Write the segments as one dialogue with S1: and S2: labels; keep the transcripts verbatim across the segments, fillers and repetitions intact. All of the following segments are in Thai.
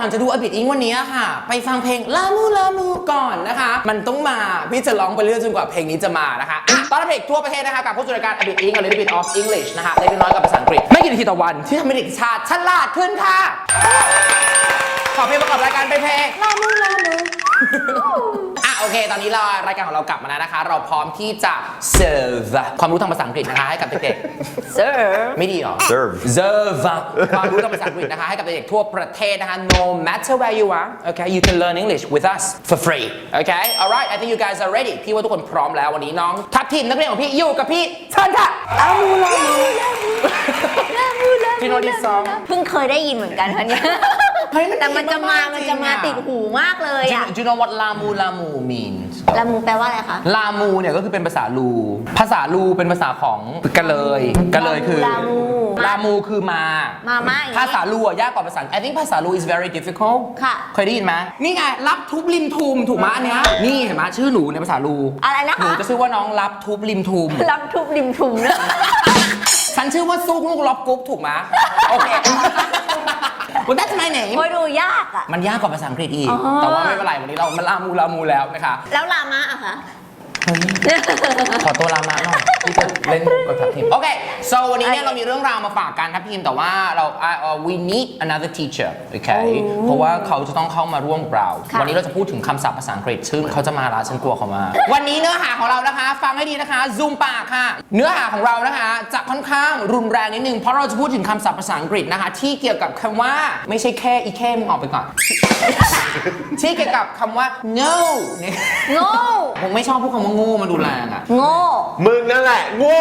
S1: จะดู A Bit Ink วันนี้ค่ะไปฟังเพลงลามูลามูก่อนนะคะมันต้องมาพี่จะร้องไปเรื่อยจนกว่าเพลงนี้จะมานะคะตอนรับเด็กทั่วประเทศนะคะกับผู้จัดการ A Bit Ink A Little Bit of English นะคะเล็กน้อยกับภาษาอังกฤษไม่กี่นาทีต่อวันที่ทำให้เด็กชาติฉลาดขึ้นค่ะขอเพลงประกอบรายการไปเพลงลามูลามูอ่ะโอเคตอนนี้เรารายการของเรากลับมาแล้วนะคะเราพร้อมที่จะ serve ความรู้ทางภาษาอังกฤษนะคะให้กับเด็กๆ serve ไม่ดีหรอ
S2: serve
S1: serve ความรู้ทางภาษาอังกฤษนะคะให้กับเด็กๆทั่วประเทศนะคะ no matter where you are okay you can learn English with us for free okay alright I think you guys are ready พี่ว่าทุกคนพร้อมแล้ววันนี้น้องทัพทีมนักเรียนของพี่อยู่กับพี่เชิญค่ะลามูลามูลามูลามู you know this song
S3: เพิ่งเคยได้ยินเหมือนกันคะเนี่ยแต่มันจะมามันจะมาติดหูมากเลยอ่ะ
S1: Do you know what ลามูลามู means
S3: ลามูแปลว่าอะไรคะ
S1: ลามูเนี่ยก็คือเป็นภาษาลูภาษาลูเป็นภาษาของกะเลยกะเลยคือลามูลามูคือมา
S3: มามา
S1: ภาษาลูยากกว่าภาษา I think ภาษาลู is very difficult
S3: ค่ะ
S1: เคยได้ยินไหมนี่ไงรับทุบริมทุมถูกไหมอันเนี้ยนี่เห็นไหมชื่อหนูในภาษาลู
S3: อะไรนะคะ
S1: หนูจะชื่อว่าน้องรับทุบริมทุม
S3: รับทุบริมทุมนะ
S1: ฉันชื่อว่าซุกลูกล็อบกุ๊บถูกไหมโอเคWell that's my name
S3: โอ้ยดูยากอ่ะ
S1: มันยากกว่าภาษาอังกฤษอีกแต่ว่าไม่เป็นไรวันนี้เรามันลามูลามูแล้วนะคะ
S3: แล้วลามะอะคะ
S1: ขอตัวลามะหน่อยที่จะเล่นกับทัพทีมโอเค so วันนี้เนี่ยเรามีเรื่องราวมาฝากกันทัพทีมแต่ว่าเรา we need another teacher โอเคเพราะว่าเขาจะต้องเข้ามาร่วมเราวันนี้เราจะพูดถึงคำศัพท์ภาษาอังกฤษซึ่งเขาจะมาละฉันกลัวเขามาวันนี้เนื้อหาของเรานะคะฟังให้ดีนะคะ zoom ปากค่ะเนื้อหาของเรานะคะจะค่อนข้างรุนแรงนิดนึงเพราะเราจะพูดถึงคำศัพท์ภาษาอังกฤษนะคะที่เกี่ยวกับคำว่าไม่ใช่แค่อีแค่มึงออกไปก่อนที่เกี่ยวกับคำว่า no
S3: โง่
S1: ผมไม่ชอบพูดคำว่าโง่มาดูแรงอะ
S3: โง่
S2: มึงนั่นแหละโง่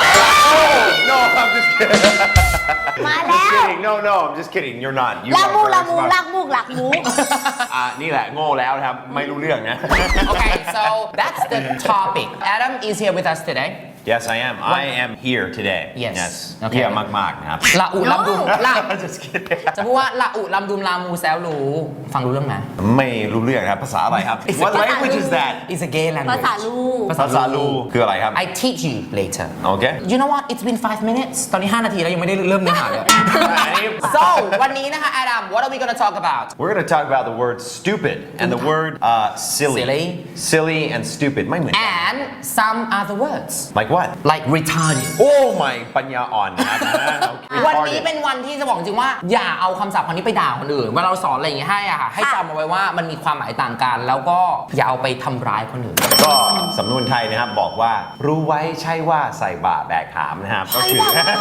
S2: No I'm just kidding
S3: มา
S2: I'm
S3: แล้
S2: just
S3: ว
S2: kidding No no I'm just kidding You're not You
S3: ลา
S2: are
S3: มู
S2: very
S3: ลามู
S2: smart
S3: ลักมูกหลักมู
S2: อ่ะนี่แหละโง่แล้วนะครับไม่รู้เรื่องนะ
S1: Okay so that's the topic Adam is here with us today
S2: Yes I am I am here today
S1: Yes
S2: Yes
S1: โอเค
S2: เยี่ยมมากๆนะครับ
S1: ละอุลำดุมละ
S2: Just kidding
S1: จะพูดว่าละอุลำดุมลามูแซวรู้ฟังรู้เรื่องไหม
S2: ไม่รู้เรื่องครับภาษาอะไรครับ What language is that
S1: It's a gay language
S3: ภาษาลู
S2: ภาษาลูคืออะไรครับ
S1: I teach you later
S2: Okay
S1: You know what It's been five minutes ตอนนี้ห้านาทีแล้วยังไม่ได้เริ่มเนื้อหาเลย So วันนี้นะคะ Adam What are we gonna talk about
S2: We're gonna talk about the word stupid and the word uh, silly
S1: Silly
S2: silly and stupid ไม่เหมือนกัน
S1: And some other words
S2: Like what
S1: Like retarded
S2: Oh my ปัญญาอ่อนนะครับ
S1: วันนี้เป็นวันที่จะบอกจริงว่าอย่าเอาคำศัพท์คำนี้ไปด่าคนอื่นเวลาเราสอนอะไรอย่างเงี้ยให้อะค่ะให้จำเอาไว้ว่ามันมีความหมายต่างกันแล้วก็อย่าเอาไปทำร้ายคนอื่น
S2: ก็สำนวนไทยนะครับบอกว่ารู้ไว้ใช่ว่าใส่บาแบกหามนะครับก็คือ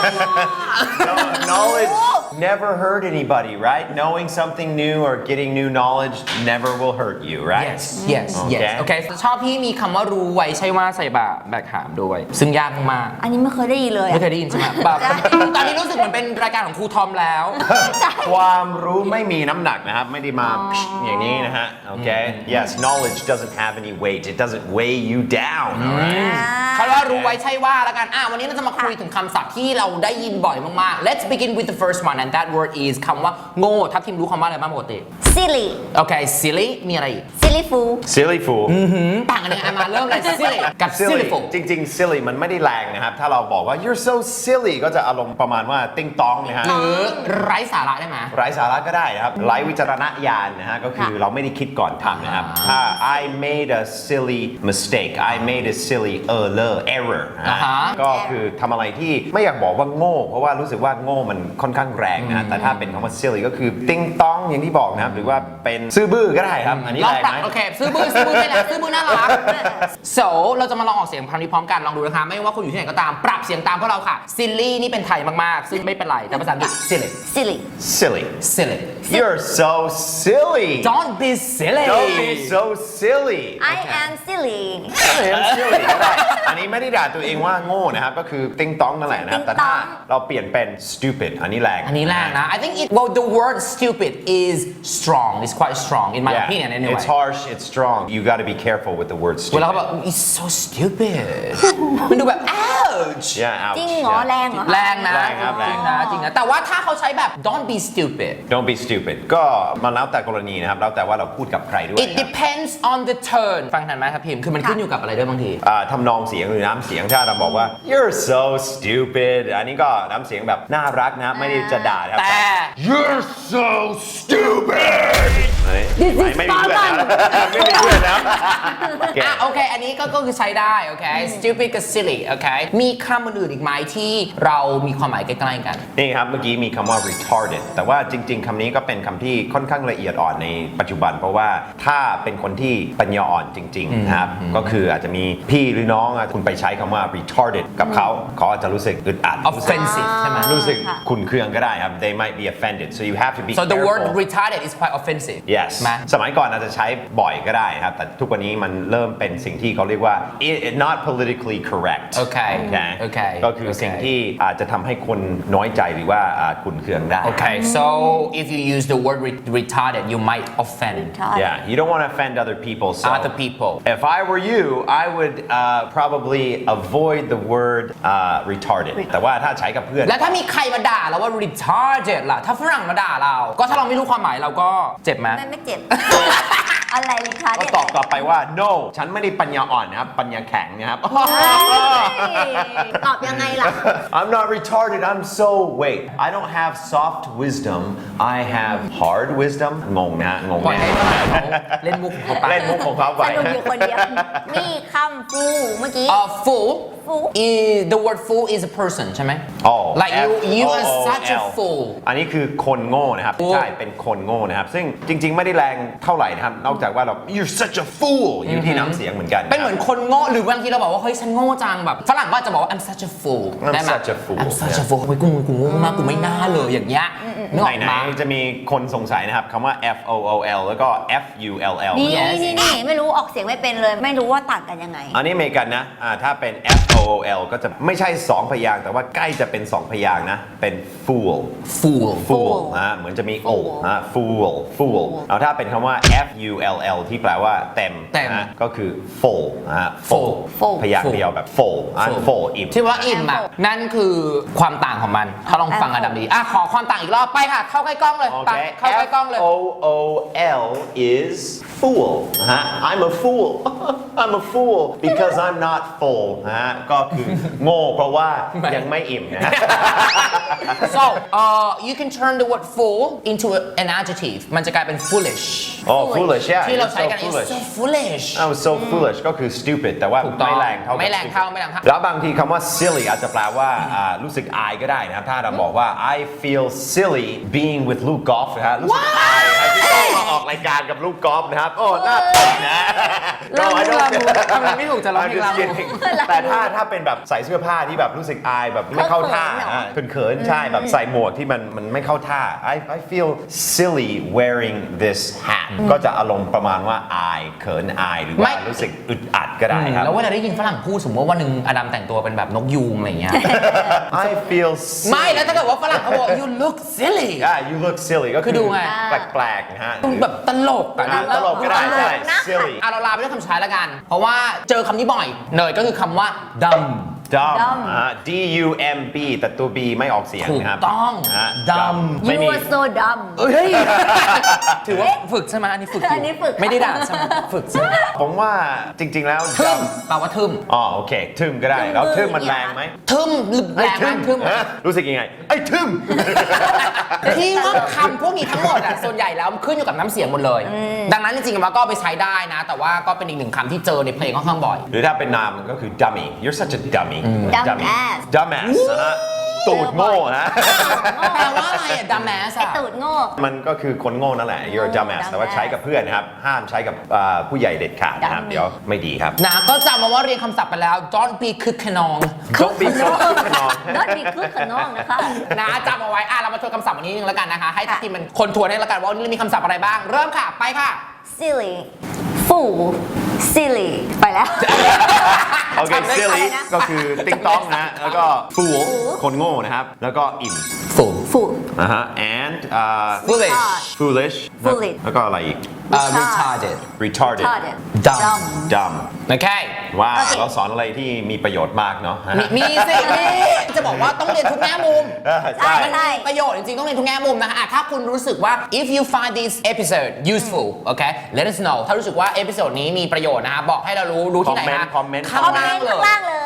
S2: knowledge never hurt anybody right knowing something new or getting new knowledge never will hurt you right
S1: yes yes yes โอเคชอบที่มีคำว่ารู้ไว้ใช่ว่าใส่บาแบกหามด้วยซึ่งยากมาก
S3: อันนี้ไม่เคยได้ยินเลย
S1: ไม่เคยได้ยินใช่ไหมแบบตอนนี้รู้สึกเหมือนเป็นรายการของครูทอมแล้ว
S2: ความรู้ไม่มีน้ำหนักนะครับไม่ได้มาอย่างนี้นะฮะโอเค yes knowledge doesn't have any weight it doesn't weigh you down
S1: เขาว่ารู้ไว้ใช่ว่าแล้วกันอ่ะวันนี้เราจะมาคุยถึงคำศัพท์ที่เราได้ยินบ่อยมากๆ let's begin with the first one and that word is คำว่าโง่ทัพทิมรู้คำว่าอะไรบ้างปกติ
S3: silly
S1: โอเค silly มีอะไรอีก
S3: silly fool
S2: silly fool
S1: ต่างกันยังไงมาเริ่มเลย silly กับ silly fool
S2: จริงๆ silly มันไม่ได้แรงนะครับถ้าเราบอกว่า you're so silly ก็จะอารมณ์ประมาณว่าติ้งต้องนะฮะ
S1: หรือไร้สาระได้ไหม
S2: ไร้สาระก็ได้นะครับไร้วิจารณญาณนะฮะก็คือเราไม่ได้คิดก่อนทำนะครับถ้า I made a silly mistake I made a silly error error นะก็คือทำอะไรที่ไม่อยากบอกว่าโง่เพราะว่ารู้สึกว่าโง่มันค่อนข้างแรงนะแต่ถ้าเป็นคำว่า silly ก็คือติ้งต้องอย่างที่บอกนะครับหรือว่าเป็นซื่อบื้อก็ได้ครับอันนี้แรงไหม
S1: โอเคซื่อบื้อซื่อบื้อไม่แรงซื่อบื้อน่ารัก so เราจะมาลองออกเสียงคำนี้พร้อมกันลองดูนะคะไม่ว่าคุณอยู่ที่ไหนก็ตามปรับเสียงตามพวกเราค่ะ silly นี่เป็นไทยมากๆซึ่งไม่เป็นไรแต่ภาษาอังกฤษ silly
S3: silly
S2: silly
S1: silly
S2: you're so silly
S1: don't be silly
S2: don't be so silly
S3: I am silly
S2: I am silly ได้อันนี้ไม่ได้ด่าตัวเองว่าโง่นะครับก็คือติ้งต้องนั่นแหละนะครับแต่ถ้าเราเปลี่ยนเป็น stupid อันนี้แรง
S1: อันนี้แรงนะ I think it well the word stupid is strong it's quite strong in my
S2: yeah,
S1: opinion anyway
S2: it's harsh it's strong you got to be careful with the word
S1: เว
S2: stupid
S1: ลาเขาบอก it's so stupid มันดูแบบ ouch
S2: yeah ouch
S3: จริงเหรอแรงเหรอ
S1: แรงนะ
S2: แรงครับแรง
S1: จริงนะจริงนะแต่ว่าถ้าเขาใช้แบบ don't be stupid
S2: don't be stupid ก็มันแล้วแต่กรณีนะครับแล้วแต่ว่าเราพูดกับใครด้วย
S1: it depends on the tone ฟังทันไหมครับพิมคือมันขึ้นอยู่กับอะไรด้วยบางที
S2: อ่าทำนองเสียงหรือน้ำเสียงถ้าเราบอกว่า you're so stupid อันนี้ก็น้ำเสียงแบบน่ารักนะไม่ได้จะด่านะครับ
S1: แต่
S2: you're so stupid เฮ้ย
S3: This is
S2: ไม่มีเพื่อนแล้วไม่มีเพื่อนแล้วโอเค
S1: อ่ะโอเค อันนี้ก็ก็คือใช้ได้โอเค stupid กับ silly โอเค มีคำอื่นๆอีกไหมที่เรามีความหมายใกล้ๆกัน
S2: นี่ครับเมื่อกี้มีคำว่า retarded แต่ว่าจริง ๆคำนี้ก็เป็นคำที่ค่อนข้างละเอียดอ่อนในปัจจุบัน เพราะว่าถ้าเป็นคนที่ปัญญาอ่อนจริงๆนะครับก็คืออาจจะมีพี่หรือน้องอ่ะคุณไปใช้คำว่า retarded กับเขาเขาอาจจะรู้สึกอึดอัด
S1: offensive ใช่ไหม
S2: รู้สึกขุ่นเคืองก็ได้ครับ they might be offended so you have to be
S1: so the word
S2: careful
S1: retarded is quite offensive
S2: yes
S1: ไหม
S2: สมัยก่อนอาจจะใช้บ่อยก็ได้ครับแต่ทุกวันนี้มันเริ่มเป็นสิ่งที่เขาเรียกว่า it, not politically correct
S1: โอเค
S2: โอเค
S1: โอเค
S2: ก็คือสิ่งที่อาจจะทำให้คนน้อยใจหรือว่าอ่าขุ่นเคืองได้
S1: Okay, so if you use the word re- retarded, you might offend
S2: Yeah, you don't want to offend other people. So
S1: other people.
S2: if I were you, I would uh, probably avoid the word uh, retarded. แต่ว่าถ้าใช้กับเพื่อน
S1: แล้วถ้ามีใครมาด่าเราว่า retarded ล่ะ ถ้าฝรั่งมาด่าเรา ก็ถ้าเราไม่รู้ความหมายเราก็เจ็บไหม
S3: ไม่ไม่เจ็บ อะไรลิคะ
S2: ก็ตอบกลับไปว่า no ฉันไม่ได้ปัญญาอ่อนนะครับ ปัญญาแข็งนะครับ
S3: ตอบยังไงล่ะ
S2: I'm not retarded. I'm so wait. I don't have soft wisdom. I have hard wisdom. งงนะฮะงง
S1: ปล่อย
S2: แน่
S1: ให้ฝรั่งเขาเล่นมุกของเขาไป
S2: เล่นมุกของเขาไป
S3: สนุกอยู่คนเดียว มีคำฟูเมื่อกี้
S1: Uh, fool
S3: Fool
S1: is the word fool is a person ใช่ไหม
S2: Oh,
S1: like you you are
S2: F O O L
S1: such a fool
S2: อันนี้คือคนโง่นะครับ
S1: Fool
S2: ใช่ เป็นคนโง่นะครับ ซึ่งจริง ๆ ไม่ได้แรงเท่าไหร่นะครับ นอกจากว่าเรา you're such a fool อยู่ที่น้ำเสียงเหมือนกัน
S1: เป็นเหมือนคนโง่หรือบางทีเราบอกว่าเฮ้ยฉันโง่จังแบบฝรั่งก็จะบอกว่า I'm such a fool
S2: I'm
S1: ได้ไหม
S2: such a fool
S1: I'm such a fool เฮ้ยกูกูโง่มากกูไม่น่าเลยอย่างเงี้ยนึกออก
S2: ไหน
S1: มา
S2: ๆจะมีคนสงสัยนะครับคำว่า F O O L แล้วก็ F U L L
S3: นี่
S1: Yes
S3: นี่นี่ไม่รู้ออกเสียงไม่เป็นเลย ไม่รู้ว่าต่างกันยังไง
S2: อันนี้อเมริกันนะอ่าถ้าเป็น F O O L ก็จะไม่ใช่สองพยางค์แต่ว่าใกล้จะเป็นสองพยางค์นะ เป็น fool
S1: fool
S2: fool นะเหมือนจะมี o นะ fool fool แล้วถ้าเป็นคำว่า F U L L ที่แปลว่าเต็ม
S1: เต็ม
S2: นะก็คือ full นะ full
S3: full
S2: พยางค์เดียวแบบ full อัน full อิ่ม
S1: ที่ว่าอิ่มอ่ะนั่นคือความต่างของมัน ถ้าลองฟังอันดับดีอ่ะขอความต่างอีกรอบไปค่ะ เข้าใกล้กล้องเลยไป
S2: Okay,
S1: เข้าใกล้กล้องเลย
S2: F O O L is fool นะฮะ I'm a fool I'm a fool because I'm not full นะฮะก็คือโง่เพราะว่ายังไม่อิ่มนะฮะ
S1: so uh, you can turn the word fool into an adjective มันจะกลายเป็น foolish
S2: Oh foolish yeah
S1: ที่เรา
S2: you're
S1: ใช้
S2: so
S1: กัน is
S2: foolish
S1: so foolish
S2: I was so foolish ก็คือ stupid แต่ว่า
S1: ถูกต้อง
S2: ไม่แรงเท่ากับ
S1: ไม่แรง
S2: stupid
S1: เท่าไม่แรงเท่า
S2: แล้วบางทีคำว่า silly อาจจะแปลว่าอ่ารู้สึกอายก็ได้นะครับถ้าเราบอกว่า I feel silly being with ลูกกอล์ฟนะฮะรู้สึกอายนะครับที่ต้องมาออกรายการกับลูกกอล์ฟนะครับโอ้น่าตกนะ
S1: ลา
S2: No, I
S1: มู
S2: don't
S1: ลามู
S2: get-
S1: ทำอะไรไม่ถูกจะร้องเพลง
S2: I'm
S1: ลา
S2: just
S1: มู
S2: kidding แต่ถ้าถ้าเป็นแบบใส่เสื้อผ้าที่แบบรู้สึกอายแบบไม่เข้าท่า
S3: เขินๆเหรอ
S2: อ่ะเขินๆใช่แบบใส่หมวกที่มันมันไม่เข้าท่า I I feel silly wearing this hat ก็จะอารมณ์ประมาณว่าอายเขินอายหรือ
S1: ไม่
S2: ว่ารู้สึกอึดอัดก็ได้ครับ
S1: แล้วเวลาได้ยินฝรั่งพูดสมมติว่าวันหนึ่งอดัมแต่งตัวเป็นแบบนกยูงอะไรอย่างเงี้ย
S2: I feel
S1: ไม่
S2: silly
S1: แล้วถ้าเกิดว่าฝรั่งเขาบอก you look silly
S2: yeah you look silly ก็
S1: คือดูไง
S2: แปลกๆนะฮะ
S1: แบบตลกอะ
S2: อ่ะตลกก็ได้ใช่
S3: นะ
S2: silly
S1: อ่ะเราลาไปด้วยคำใช้แล้วกัน เพราะว่าเจอคำนี้บ่อยเนยก็คือคำว่า dumb
S2: dumb
S3: dumb
S2: อ่ะ D U M B แต่ตัว B ไม่ออกเสียง
S1: ถูก
S2: นะครับ
S1: ต้อง
S2: ฮะ
S1: dumb
S2: ไม่
S3: You
S2: มี
S3: are so dumb
S1: เอ้ย ถือว่าฝึกใช่ไหมอันนี้ฝึกอยู่
S3: อันนี้ฝึก
S1: ไม่ได้ด่าใช่ไหมฝึกใช่ไหม
S2: ผมว่าจริง ๆ แล้ว
S1: ทึม
S2: dumb
S1: แปลว่าทึม
S2: อ๋อโอเค ทึมก็ได้ แล้วทึมมัน
S3: ทึม
S2: แรงไหม
S1: ทึมหรือแรงไหมทึม
S2: ฮะรู้สึกยังไง ไอ้ทึม
S1: ที่ว่าคำพวกนี้ทั้งหมดอ่ะส่วนใหญ่แล้วมันขึ้นอยู่กับน้ำเสียงหมดเลย ดังนั้นจริงๆมันก็เอาไปใช้ได้นะ แต่ว่าก็เป็นอีกหนึ่งคำที่เจอในเพลงค่อนข้างบ่อย
S2: หรือถ้าเป็นนามก็คือ dummy you're such a dummy
S3: Dumbass
S2: dumbass นะฮะตูดโง่ฮะ
S1: แปลว่าอะไรอ่ะ dumbass
S3: ไอ
S1: อ่ะ
S3: ตูดโง่
S2: มันก็คือคนโง่นั่นแหละ you're a dumbass แต่ว่าใช้กับเพื่อนนะครับ ห้ามใช้กับอ่าผู้ใหญ่เด็ดขาดนะครับ
S3: Dummy
S2: เดี๋ยวไม่ดีครับ
S1: นะก็จำมาว่าเรียนคำศัพท์ไปแล้ว don't be คึกขนอง
S2: Don't be so คึกขนอง
S3: Don't be คึกขนองนะคะ
S1: นะจำเอาไว้อ่ะเรามาทวนคำศัพท์วันนี้นึงแล้วกันนะคะ ให้ทีมมันคนทวนให้แล้วกันว่าวันนี้มีคำศัพท์อะไรบ้าง เริ่มค่ะ ไปค่ะ
S3: silly fool silly ไปแล้ว
S2: โอเค silly
S3: อะไรนะ
S2: ก็คือติ๊งต้องนะ แล้วก็ fool คนโง่นะครับ แล้วก็อิ่ม
S1: fool
S3: fool
S2: นะฮะ and อ่า
S1: foolish
S2: foolish
S3: Foolish
S2: แล้วก็อะไรอีก
S1: uh, retarded
S2: retarded
S3: retarded
S1: Dumb
S2: dumb
S1: โอเค
S2: ว้าวเราสอนอะไรที่มีประโยชน์มากเนาะ
S1: มีมีสิมีจะบอกว่าต้องเรียนทุกแง่มุม
S2: เออใช่
S3: ใช่
S1: ประโยชน์จริงๆต้องเรียนทุกแง่มุมนะคะอ่ะถ้าคุณรู้สึกว่า if you find this episode useful okay let us know ถ้ารู้สึกว่าเอพิโซดนี้มีประโยชน์นะคะบอกให้เรารู้รู้ที่ไหนนะ
S2: คอมเมนต์
S1: ข้าง
S3: คอมเม
S1: ล่าน ง
S3: ต์
S1: เล
S3: ข้าง
S1: ย
S3: ล่างเลย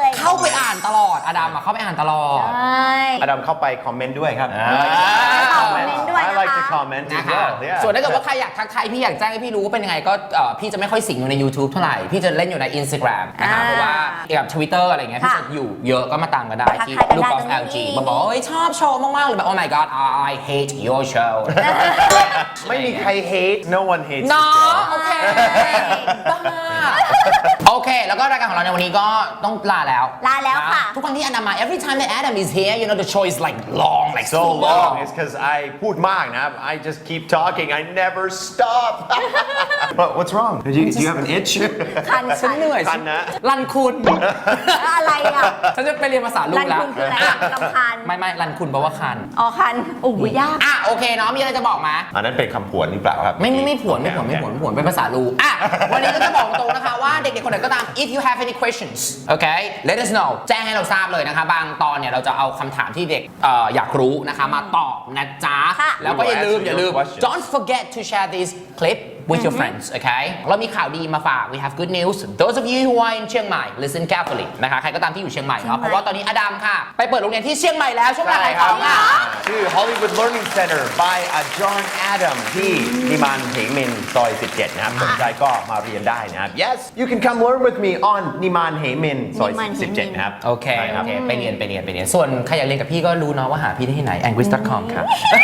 S1: เข้าไปอ่านตลอดอดัมอะเข้าไปอ่านตลอด
S3: ใช่
S2: อดัมเข้าไปคอมเมนต์ด้วยครับ
S1: อ่า
S3: คอมเมนต์ด้วย
S2: I
S3: นะคะ
S2: like to comment
S1: นะ
S2: as
S1: คะ
S2: well yeah
S1: ส่วนถ้าเกิดว่าใครอยากทักทายพี่อยากแจ้งให้พี่รู้ว่าเป็นยังไงก็เอ่อพี่จะไม่ค่อยสิงอยู่ใน YouTube เท่าไหร่ พี่จะเล่นอยู่ใน Instagram นะคะ
S3: อ่า
S1: เพราะว่ากับ Twitter อะไรเงี้ยพี่
S3: ค่ะ
S1: จะอยู่เยอะก็มาตามกันได้ที่
S3: ทักทายกัน
S1: Look
S3: ได้
S1: of
S3: ตรงนี้
S1: แอล จี บอกว่าเฮ้ยชอบโชว์มากๆเลยแบบ Oh my god I hate your show
S2: ไม่มีใคร hate no one hates
S1: เนาะ
S2: this
S1: โอเคบ้าโอเค แล้วก็รายการของเราในวันนี้ก็ต้องลาแล้ว
S3: ลาแล้วค่ะ
S1: ทุกครั้งที่อันดามา every time that Adam is here you know the show is like long like
S2: so long it's because I พูดมากนะ I just keep talking I never stop What- what's wrong do you, do you have an itch
S3: คัน
S1: ฉันเหนื่อย
S2: คันนะ
S1: รันคุณ
S3: อะไรอ่ะ
S1: ฉันจะไปเรียนภาษาลูก
S3: รัน
S1: แล้ว
S3: คุณคืออะไรอะรำคาญ
S1: ไม่ไม่รันคุณแปลว่าคัน
S3: อ๋อคันโอ้ยยาก
S1: อ่ะโอเคเนาะมีอะไรจะบอกมา
S2: อันนั้นเป็นคำผวนหรือเปล่าครับ
S1: ไม่ไม่ไม่ผวนไม่ผวนไม่ผวนไม่ผวนเป็นภาษาลูอ่ะ วันนี้ก็จะบอกตรงนะคะว่าเด็กๆคนไหนก็ตาม if you have any questions okay let us know แจ้งให้เราทราบเลยนะคะบางตอนเนี่ยเราจะเอาคำถามที่เด็กเอ่ออยากรู้นะคะมาตอบนะจ๊ะ
S3: ค่ะ
S1: แล้วก็อย่าลืม
S2: We will
S1: อย่าลืม
S2: answer your questions.
S1: don't forget to share this clip with your friends okay เรามีข่าวดีมาฝาก we have good news those of you who are in เชียงใหม่ listen carefully นะคะใครก็ตามที่อยู่เชียงใหม่เนาะเพราะว่าตอนนี้อดัมค่ะ ไปเปิดโรงเรียนที่เชียงใหม่แล้วช่วงเวลา
S2: ใช่
S1: ขาย
S2: ค
S1: ข
S2: รั
S1: อบ งค่ะ
S2: ชื่อ Hollywood Learning Center by a John Adam ที่นิมานเหมินซอยสิบเจ็ดนะครับสนใจก็มาเรียนได้นะครับ yes you can come learn with me on นิมานเหมินซอย
S3: นิมานเหมิน
S2: สิบเจ็ดนะครับ
S1: โอเค
S2: ใช่ค
S1: โอ
S2: รับ
S1: เคไปเรียนไปเรียนไปเรียนส่วนใครอยากเรียนกับพี่ก็รู้เนาะว่าหาพี่ได้ที่ไหน angris dot com ค่ะ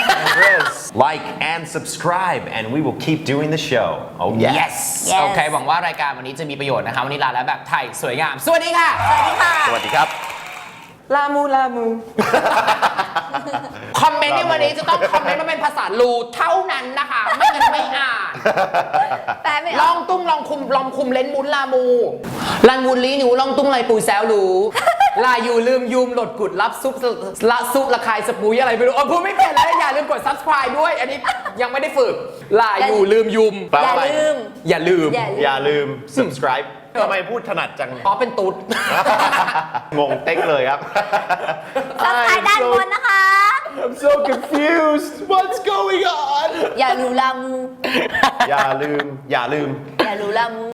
S2: like and subscribe and we will keep doing the show oh yes,
S1: yes
S3: Yes
S1: โอเคหวังว่ารายการวันนี้จะมีประโยชน์นะคะวันนี้ลาแล้วแบบไทยสวยงาม สวัสดีค่ะ
S3: สวัสดีค่ะ
S2: สวัสดีครับ
S1: ลามูลามู คอมเมนต์ในวันนี้จะต้องคอมเมนต์มาเป็นภาษาลูเท่านั้นนะคะ ไม่งั้นไม่อ่าน
S3: แปลไม่อ
S1: ล
S3: อ
S1: อก งตุ้งลองคุมลองคุมเลนมุนลามูลันมุนลีหนูลองตุ้งไรปูแซวรู้ ลาอยู่ลืมยุมหลดกุดรับซุปละซุปละคายสปุยอะไรไม่รู้เออพูดไม่เป็นแล้วอย่าลืมกด subscribe ด้วย อันนี้ยังไม่ได้ฝึก ลาอยู่ลืมยุม
S2: แปล
S3: อย่า
S2: ว่าอะไร
S3: ลืม
S1: อย่าลืม
S3: อย่าลืม
S2: อย่าลืม subscribe ทำไมพูดถนัดจัง
S1: เพราะเป็นตุ๊ด
S2: งงเต็กเลยครับ
S3: ซับไครต์ด้านบนนะคะ
S2: I'm so confused what's going on
S3: อย่าลืมลามู
S2: อย่าลืม อย่าลืม
S3: อย่าลืมลามู